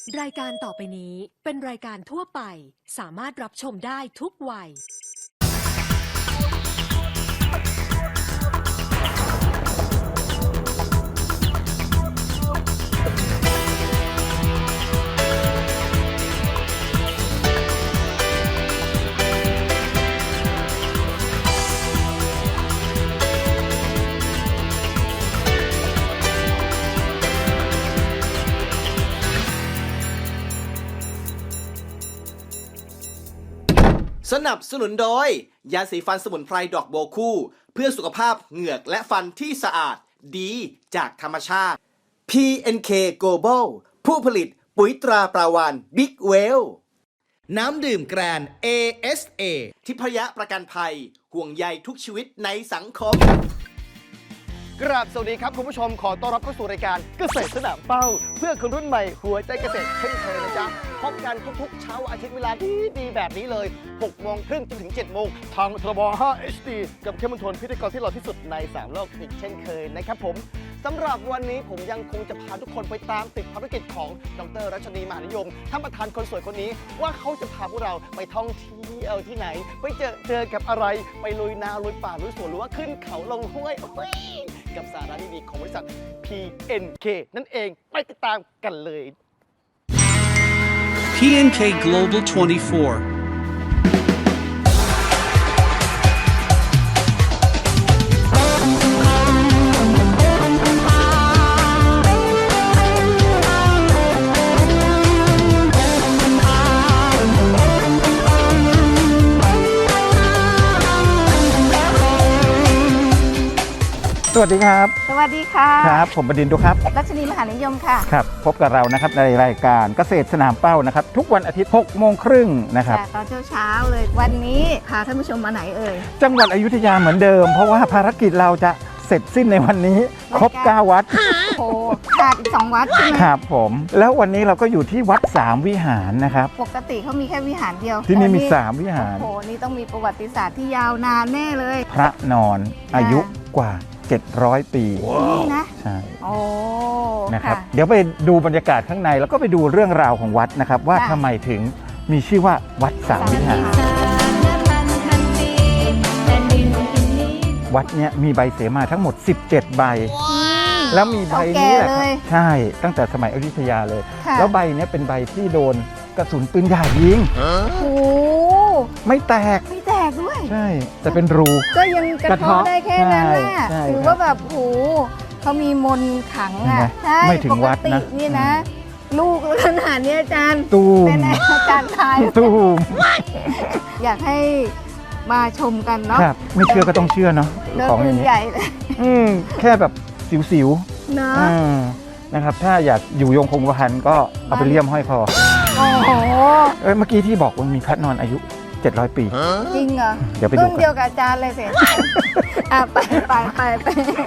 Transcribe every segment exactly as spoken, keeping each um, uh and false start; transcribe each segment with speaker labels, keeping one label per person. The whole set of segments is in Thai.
Speaker 1: รายการต่อไปนี้เป็นรายการทั่วไปสามารถรับชมได้ทุกวัย
Speaker 2: สนับสนุนโดยยาสีฟันสมุนไพรดอกโบวคู่เพื่อสุขภาพเหงือกและฟันที่สะอาดดีจากธรรมชาติ พี เอ็น เค Global ผู้ผลิตปุ๋ยตราปลาวานบิ๊กเวลน้ำดื่มแกรน เอ เอส เอ ทิพยประกันภัยห่วงใยทุกชีวิตในสังคมกราบสวัสดีครับคุณผู้ชมขอต้อนรับเข้าสู่รายการเกษตรสนามเป้าเพื่อคนรุ่นใหม่หัวใจเกษตรเช่นเคยนะจ๊ะพบกันทุกๆเช้าอาทิตย์เวลาดีดีแบบนี้เลยหกโมงครึ่งจนถึงเจ็ดโมงทางทบห้า เอช ดี กับเข้มมนทนพิธีกรที่หล่อที่สุดในสามโลกอีกเช่นเคยนะครับผมสำหรับวันนี้ผมยังคงจะพาทุกคนไปตามติดภารกิจของดร.รัชนีมหานิยมท่านประธานคนสวยคนนี้ว่าเขาจะพาพวกเราไปท่องเที่ยวที่ไหนไปเจอเจอกับอะไรไปลุยนาลุยป่าลุยสวนหรือว่าขึ้นเขาลงห้วยกับสาระดีๆของบริษัท พี เอ็น เค นั่นเองไปติดตามกันเลย
Speaker 3: พี เอ็น เค Global ยี่สิบสี่
Speaker 4: สวัสดีครับ
Speaker 5: สวัสดีค่ะ
Speaker 4: ครับผมบดินทร์ดุครับ
Speaker 5: รัชนีมหานิยมค่ะ
Speaker 4: ครับพบกับเรานะครับในรายการเกษตรสนามเป้านะครับทุกวันอาทิตย์หกโมงครึ่งนะครับ
Speaker 5: ตอนเช้าเช้าเลยวันนี้พาท่านผู้ชมมาไหนเอ่ย
Speaker 4: จังหวัดอยุธยาเหมือนเดิมเพราะว่าภารกิจเราจะเสร็จสิ้นในวันนี้ครบเก้าวัด
Speaker 5: โอ้ขาดอีกสองวัดใช่ไหม
Speaker 4: ครับผมแล้ววันนี้เราก็อยู่ที่วัดสามวิหารนะครับ
Speaker 5: ปกติเขามีแค่วิหารเดียว
Speaker 4: ที่นี่มีสามวิหาร
Speaker 5: โอ้โหนี่ต้องมีประวัติศาสตร์ที่ยาวนานแน่เลย
Speaker 4: พระนอนอายุกว่าเจ็ดร้อยปี
Speaker 5: นี่นะ
Speaker 4: ใช่
Speaker 5: โอ้
Speaker 4: นะครับเดี๋ยวไปดูบรรยากาศข้างในแล้วก็ไปดูเรื่องราวของวัดนะครับว่าทำไมถึงมีชื่อว่าวัดสามวิหารวัดเนี้ยมีใบเสมาทั้งหมดสิบเจ็ดใบแล้วมีใบนี้แหละใช่ตั้งแต่สมัยอยุธยาเลยแล้วใบนี้เป็นใบที่โดนกระสุนปืนใหญ่ยิง
Speaker 5: โอ้
Speaker 4: ไม่แตก
Speaker 5: ไม่แตกด้วย
Speaker 4: ใช่แต่เป็นรู
Speaker 5: ก็ยังกระเทาะได้แค่นั้นแหละถือว่าแบบโอ้เขามีมนต์ขังอ่ะ
Speaker 4: ใช่ไม่ถึงวัดนะ
Speaker 5: นี่นะลูกขนาดนี้อาจารย์
Speaker 4: ตูม
Speaker 5: เป็นอาจารย์ทาย
Speaker 4: ตูม
Speaker 5: อยากให้มาชมกันเนาะ
Speaker 4: ไม่เชื่อก็ต้องเชื่อเนาะ
Speaker 5: ของอย่างนี้ใหญ่เลย
Speaker 4: แค่แบบสิว
Speaker 5: ๆเนาะ
Speaker 4: นะครับถ้าอยากอยู่ยงคงกระพันก็เอาไปเลี่ยมห้อยคอ
Speaker 5: โอ้โห
Speaker 4: เอ้ยเมื่อกี้ที่บอกว่ามีพระนอนอายุเจ็ดร้อยปี
Speaker 5: จริงเหรอ
Speaker 4: เดี๋ยวไปดู
Speaker 5: รุ่นเดียวกับอาจารย์เลยสิอ่ะไปไปไปไป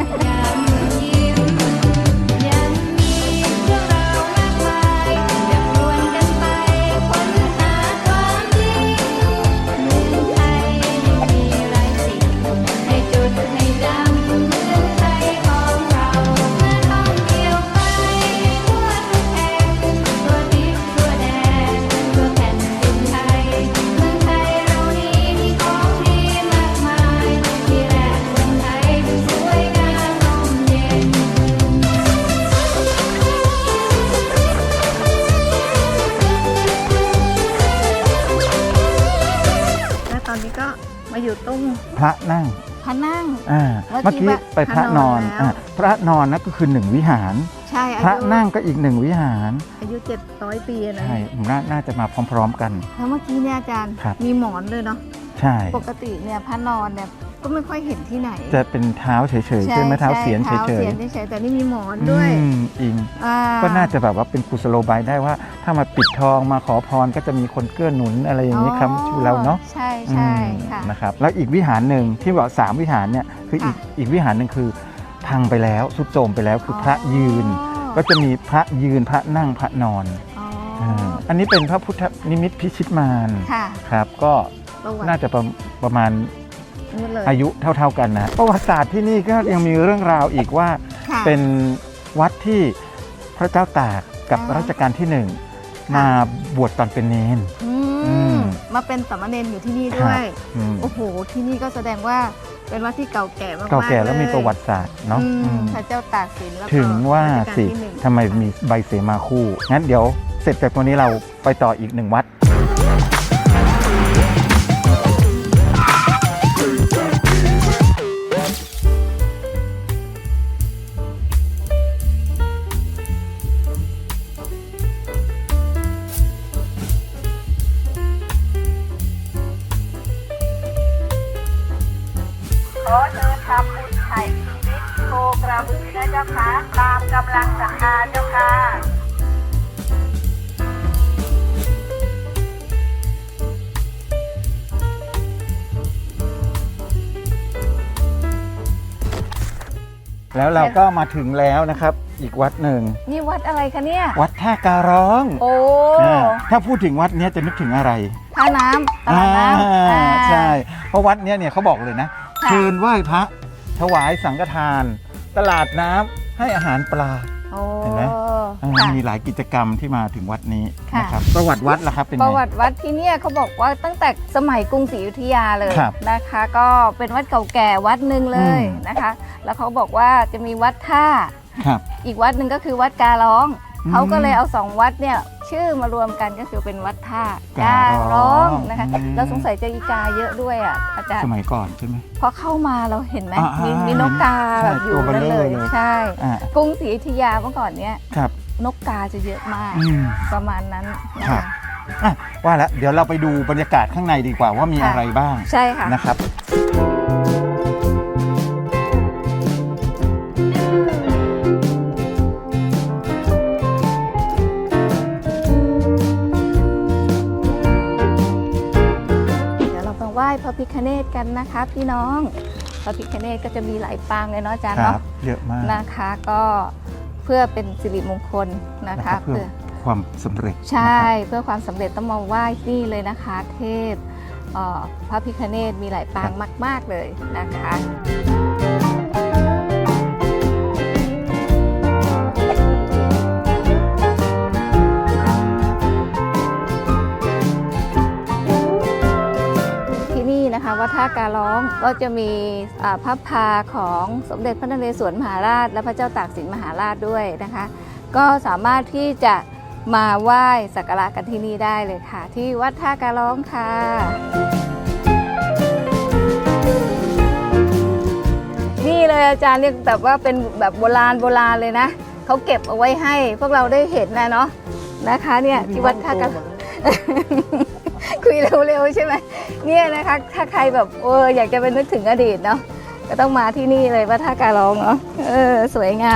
Speaker 5: อยู่ตรง
Speaker 4: พระนั่ง
Speaker 5: พระนั่ง
Speaker 4: อ่าเมื่อกี้ไปพระนอนอ่าพระนอนนั่นก็คือหนึ่งวิหาร
Speaker 5: ใช่
Speaker 4: พระนั่งก็อีกหนึ่งวิหาร
Speaker 5: อายุเจ็ดร้อยปีนะ
Speaker 4: ใช่น่าน่าจะมาพร้อมๆกัน
Speaker 5: แล้วเมื่อกี้เนี่ยอาจารย์มีหมอนเลยเนาะ
Speaker 4: ใช่
Speaker 5: ปกติเนี่ยพระนอนเนี่ยก็ไม่ค่อยเห็นที่ไหน
Speaker 4: จะเป็นเท้าเฉยๆใช่ไหมเท้าเสียนเฉยๆเท้าเสียน
Speaker 5: เฉยๆแต่นี่มีหมอนด้วย
Speaker 4: อิงก็น่าจะแบบว่าเป็นกุศโลบายได้ว่าถ้ามาปิดทองมาขอพรก็จะมีคนเกื้อหนุนอะไรอย่างนี้ครับชูเราเนาะ
Speaker 5: ใช่ใช่ค่ะ
Speaker 4: นะครับแล้วอีกวิหารหนึ่งที่บอกสามวิหารเนี่ยคืออีกอีกวิหารหนึ่งคือพังไปแล้วสุดโทรมไปแล้วคือพระยืนก็จะมีพระยืนพระนั่งพระนอนอันนี้เป็นพระพุทธนิมิตพิชิตมารครับก็น่าจะประมาณอายุเท่าๆกันนะประวัติศาสตร์ที่นี่ก็ยังมีเรื่องราวอีกว่าเป็นวัดที่พระเจ้าตากกับรัชกาลที่หนึ่งมาบวชตอนเป็นเนน
Speaker 5: อื
Speaker 4: อื
Speaker 5: ม
Speaker 4: ม
Speaker 5: มาเป็นสามเณรอยู่ที่นี่ด้วย
Speaker 4: อืม
Speaker 5: โอ้โหที่นี่ก็แสดงว่าเป็นวัดที่เก่าแก่มากๆ
Speaker 4: เก่าแก่แล้วมี
Speaker 5: เย
Speaker 4: ประวัติศาสตร์เนาะ
Speaker 5: อืม
Speaker 4: อืม
Speaker 5: พระเจ้าตากสินแล้วก็
Speaker 4: ถึงว่า
Speaker 5: รัชกล
Speaker 4: สิ
Speaker 5: ที่หนึ่ง
Speaker 4: ทำไมมีใบเสมาคู่ งั้นเดี๋ยวเสร็จจากตัวนี้เราไปต่ออีกหนึ่งวัด
Speaker 6: ขอเชิญทำบุญไถ่ชีวิตโคกระบือนะเจ้าค่ะตามกำลังศรัทธาเจ้าค่ะ
Speaker 4: แล้วเราก็มาถึงแล้วนะครับ อีกวัดหนึ่ง
Speaker 5: นี่วัดอะไรคะเนี่ย
Speaker 4: วัดท่าการ้อง
Speaker 5: โอ้
Speaker 4: อ่าถ้าพูดถึงวัดเนี้ยจะนึกถึงอะไร
Speaker 5: ท่าน้ำตลาดน้ำ
Speaker 4: อ่า
Speaker 5: อ่า
Speaker 4: ใช่ เพราะวัดเนี้ยเนี่ยเขาบอกเลยนะ
Speaker 5: ค่ะ
Speaker 4: เชิญไหว้พระถวายสังฆทาน ตลาดน้ำให้อาหารปลา
Speaker 5: โอ้
Speaker 4: เห็นไหม อ่า
Speaker 5: ค่ะ
Speaker 4: มีหลายกิจกรรมที่มาถึงวัดนี้
Speaker 5: ค่ะ
Speaker 4: นะครับประวัติวัดล่ะครับเป็น
Speaker 5: ป
Speaker 4: ไง
Speaker 5: ระวัติวัดที่เนี่ยเขาบอกว่าตั้งแต่สมัยกรุงศรีอยุธยาเลย
Speaker 4: ครับ
Speaker 5: นะคะ ก็เป็นวัดเก่าแก่วัดหนึ่งเลย
Speaker 4: อืม
Speaker 5: นะคะ แล้วเขาบอกว่าจะมีวัดท่า
Speaker 4: ครับ
Speaker 5: อีกวัดหนึ่งก็คือวัดการ้อง
Speaker 4: อืม
Speaker 5: เขาก็เลยเอาสองวัดเนี่ยชื่อมารวมกันก็คือเป็นวัดท่า
Speaker 4: ก
Speaker 5: กา
Speaker 4: าร้
Speaker 5: ร้
Speaker 4: อ
Speaker 5: อง งนะคะ
Speaker 4: อืม
Speaker 5: เราสงสัยจะอีกาเยอะด้วยอ่ะอาจาร
Speaker 4: ส
Speaker 5: ย์
Speaker 4: มัยก่อนใช่ไหม
Speaker 5: พอเข้ามาเราเห็นไหม
Speaker 4: อ่า
Speaker 5: มี
Speaker 4: อ่า
Speaker 5: มีนกกา
Speaker 4: ใช่
Speaker 5: แบบอยู่
Speaker 4: ตัวเบล
Speaker 5: นั่น
Speaker 4: อ
Speaker 5: เลย
Speaker 4: เลย
Speaker 5: ใช่
Speaker 4: อ่าก
Speaker 5: รุงศรีอยุธยาเมื่อก่อนเนี้ย
Speaker 4: ครับ
Speaker 5: นกกาจะเยอะมาก
Speaker 4: อืม
Speaker 5: ประมาณนั้นนะ
Speaker 4: ครั
Speaker 5: คะ
Speaker 4: บ อ่ะว่าแล้วเดี๋ยวเราไปดูบรรยากาศข้างในดีกว่าว่ามี
Speaker 5: ค่ะ
Speaker 4: อะไรบ้าง
Speaker 5: ใช่ค่ะ
Speaker 4: นะครับ
Speaker 5: เดี๋ยวเราไปไหว้พระพิฆเนศกันนะคะพี่น้อง พระพิฆเนศก็จะมีหลายปางเลยเนาะอาจารย์
Speaker 4: ครั
Speaker 5: เนาะ
Speaker 4: บ เยอะมาก
Speaker 5: นะคะก็เพื่อเป็นสิริมงคลนะ
Speaker 4: นะค
Speaker 5: คะ
Speaker 4: รับเพื่อความสำเร็จ
Speaker 5: ใช่
Speaker 4: นะครับ
Speaker 5: เพื่อความสำเร็จต้องมาไหว้นี่เลยนะคะ เทพเอ่อพระพิฆเนศมีหลายปางมาก ๆเลยนะคะ ที่นี่นะคะวัดท่าการร้องก็จะมีอ่าพระพาของสมเด็จพระนเรศวรมหาราช และพระเจ้าตากสินมหาราชด้วยนะคะ ก็สามารถที่จะมาไหว้สักการะกันที่นี่ได้เลยค่ะ ที่วัดท่าการร้องค่ะ นี่เลยอาจารย์เรียกแบบว่าเป็นแบบโบราณโบราณเลยนะเขาเก็บเอาไว้ให้พวกเราได้เห็นนะเนาะนะคะเนี่ยที่วัดท่าการคุยเร็วๆใช่ไหมเนี่ยนะคะถ้าใครแบบเอออยากจะไปนึกถึงอดีตเนาะก็ต้องมาที่นี่เลยวัดท่าการร้องเนาะเออสวยงาม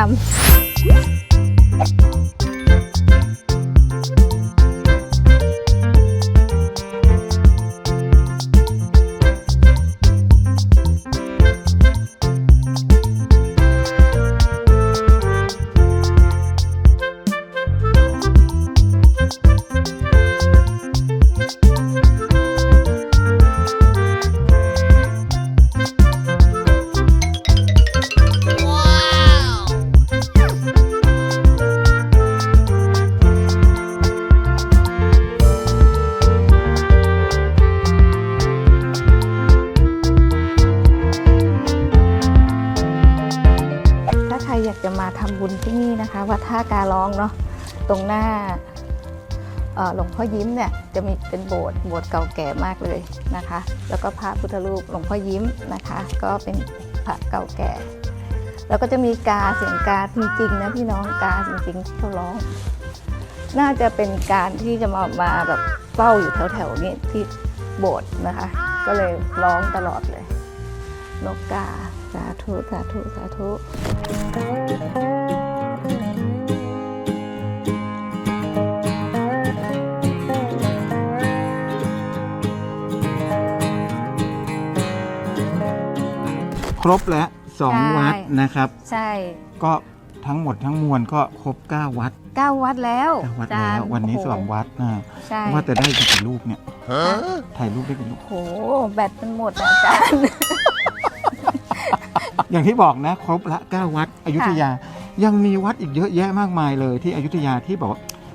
Speaker 5: ถ้าใครอยากจะมาทำบุญที่นี่นะคะวัดท่าการ้องเนาะตรงหน้าเอ่อหลวงพ่อยิ้มเนี่ยจะมีเป็นโบสถ์โบสถ์เก่าแก่มากเลยนะคะ แล้วก็พระพุทธรูปหลวงพ่อยิ้มนะคะ ก็เป็นพระเก่าแก่ แล้วก็จะมีกาเสียงกาจริงๆนะพี่น้องกาจริงๆที่เขาร้อง น่าจะเป็นการที่จะมามาแบบเฝ้าอยู่แถวๆนี้ที่โบสถ์นะคะ ก็เลยร้องตลอดเลย นกกาสาธุสาธุสาธุ
Speaker 4: ครบแล้วสอง
Speaker 5: ใช่
Speaker 4: วัดนะครับ
Speaker 5: ใช่
Speaker 4: ก็ทั้งหมดทั้งมวลก็ครบเก้าวัด
Speaker 5: เก้าวัดแล้ว
Speaker 4: เก้าวัด
Speaker 5: อาจา
Speaker 4: แล้
Speaker 5: ร
Speaker 4: ว
Speaker 5: ย์
Speaker 4: วันนี้
Speaker 5: โโห
Speaker 4: สองวัดนะ
Speaker 5: ใช่
Speaker 4: ว่าจะได้กี่รูปเนี่ยถ่ายรูปได้กี่รูป
Speaker 5: โอ้โหแบตมันหมดอะอาจารย์
Speaker 4: อย่างที่บอกนะ ครบละเก้าวัดอยุธยา ยังมีวัดอีกเยอะแยะมากมายเลยที่อยุธยาที่บอกว่า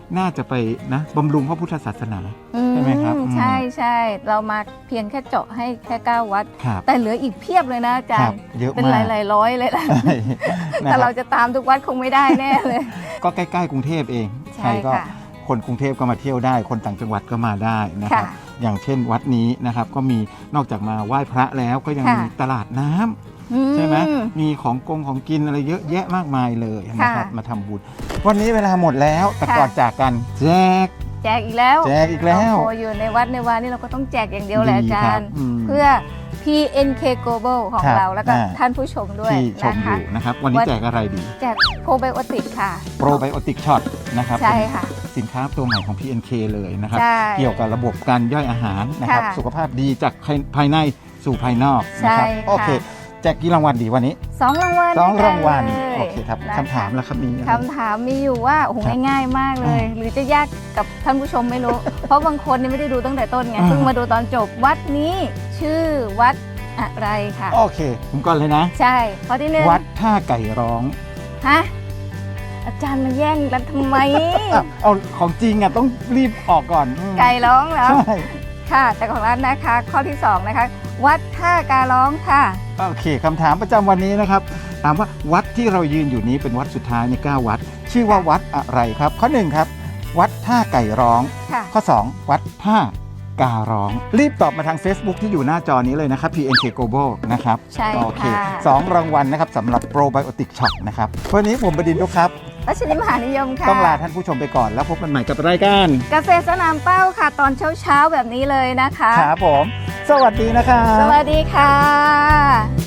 Speaker 4: น่าจะไปนะบำรุงพระพุทธศาสนา ใช่ไหมครับอืม
Speaker 5: ใช่ใช่เรามาเพียงแค่เจาะให้แค่เก้าวัด
Speaker 4: ครับ
Speaker 5: แต่เหลืออีกเพียบเลยนะอาจา
Speaker 4: ครั
Speaker 5: ร
Speaker 4: บ
Speaker 5: ย์
Speaker 4: เยอะ
Speaker 5: เป็น
Speaker 4: มาก
Speaker 5: หลายๆร้อยเลยล่ะ
Speaker 4: ใช่นะ
Speaker 5: แต่
Speaker 4: ค
Speaker 5: เรา
Speaker 4: รับ
Speaker 5: จะตามทุกวัดคงไม่ได้แน่เลย
Speaker 4: ก็ใกล้ๆกรุงเทพเอง
Speaker 5: ใช่
Speaker 4: ก็
Speaker 5: ค่ะ
Speaker 4: คนกรุงเทพก็มาเที่ยวได้ คนต่างจังหวัดก็มาได้นะครับ
Speaker 5: ค่ะ
Speaker 4: อย่างเช่นวัดนี้นะครับก็มีนอกจากมาไหว้พระแล้วก็ยัง
Speaker 5: ค่ะ
Speaker 4: มีตลาดน้ำ
Speaker 5: อื
Speaker 4: ใช่ไหมมีของกงของกินอะไรเยอะแยะมากมายเลยนะครับ
Speaker 5: ค่ะ
Speaker 4: มาทำบุญวันนี้เวลาหมดแล้วแต่
Speaker 5: ค่ะ
Speaker 4: ก่อนจากกันแจก
Speaker 5: แจกอีกแล้ว
Speaker 4: แจกอีกแล้ว
Speaker 5: โอ้โหอยู่ในวัดในวานี่เราก็ต้องแจกอย่างเดียวแหละ
Speaker 4: ดี
Speaker 5: อา
Speaker 4: ค
Speaker 5: จา
Speaker 4: รั
Speaker 5: ร
Speaker 4: บ
Speaker 5: ย์
Speaker 4: อืม
Speaker 5: เพื่อ พี เอ็น เค Global ของ
Speaker 4: ครับ
Speaker 5: เราแล้วก็
Speaker 4: อ่า
Speaker 5: ท่านผู้ชมด้วย
Speaker 4: ที่ชม
Speaker 5: นะ
Speaker 4: อ
Speaker 5: คะ
Speaker 4: ยู่นะครับ วันนี้
Speaker 5: วัน
Speaker 4: แจกอะไรดี
Speaker 5: แจกโปรไบโอติกค่ะ
Speaker 4: โปรไบโอติกช็อตนะครับ
Speaker 5: ใช่ค่ะ
Speaker 4: เป็นสินค้าตัวใหม่ของ พี เอ็น เค เลยนะครับ
Speaker 5: ใช่
Speaker 4: เกี่ยวกับระบบการย่อยอาหารนะครับ
Speaker 5: ค่ะ
Speaker 4: สุขภาพดีจากภายภายในสู่ภายนอกนะครั
Speaker 5: ใช่
Speaker 4: โอเค
Speaker 5: ค่ะ
Speaker 4: แจกกี่รางวัลดีวันนี้
Speaker 5: สองรางวัล
Speaker 4: สอง
Speaker 5: ด้วยกัน
Speaker 4: รางวัล
Speaker 5: เลย
Speaker 4: โอเคครับ
Speaker 5: นะะ
Speaker 4: คำถามแล้วครับมีอะไร
Speaker 5: คำถามมีอยู่ว่าโอ้โห
Speaker 4: ครับ
Speaker 5: ง่ายๆมากเลย หรือจะยากกับท่านผู้ชมไม่รู้ เพราะบางคนเนี่ยไม่ได้ดูตั้งแต่ต้นไง
Speaker 4: อ่า
Speaker 5: เพิ่งมาดูตอนจบวัดนี้ชื่อวัดอะไรค่ะ
Speaker 4: โอเคผมก่อนเลยนะ
Speaker 5: ใช่ข้อที่หนึ่ง
Speaker 4: วัดท่าไก่ร้อง
Speaker 5: ฮะอาจารย์มาแย่งกันทำไม
Speaker 4: อ่ะเอาของจริงอ่ะต้องรีบออกก่อนอืม
Speaker 5: ไก่ร้องเหรอ
Speaker 4: ใช่
Speaker 5: ค่ะ แต่ของร้านนะคะ ข้อที่สองนะคะ วัดท่าการ้องค่ะ
Speaker 4: โอเคคำถามประจำวันนี้นะครับถามว่าวัดที่เรายืนอยู่นี้เป็นวัดสุดท้ายในเก้าวัด ชื่อว่าวัดอะไรครับ ข้อหนึ่งครับ วัดท่าไก่ร้อง
Speaker 5: ค่ะ
Speaker 4: ข้อสองวัดท่าการ้อง รีบตอบมาทาง Facebook ที่อยู่หน้าจอนี้เลยนะครับ พี เอ็น เค Global นะครับ
Speaker 5: ใช่
Speaker 4: โอเค
Speaker 5: ค่ะ
Speaker 4: สองรางวัลนะครับสำหรับ Probiotic Shop นะครับวันนี้ผมบดินทร์ดุกครับ
Speaker 5: รัชนีมหานิยมค่ะ
Speaker 4: ต้องลาท่านผู้ชมไปก่อนแล้วพบกันใหม่กับรายการ
Speaker 5: เกษตรสนามเป้าค่ะ ตอนเช้าๆแบบนี้เลยนะคะ
Speaker 4: ครับผม สวัสดีนะครับ
Speaker 5: สวัสดีค่ะ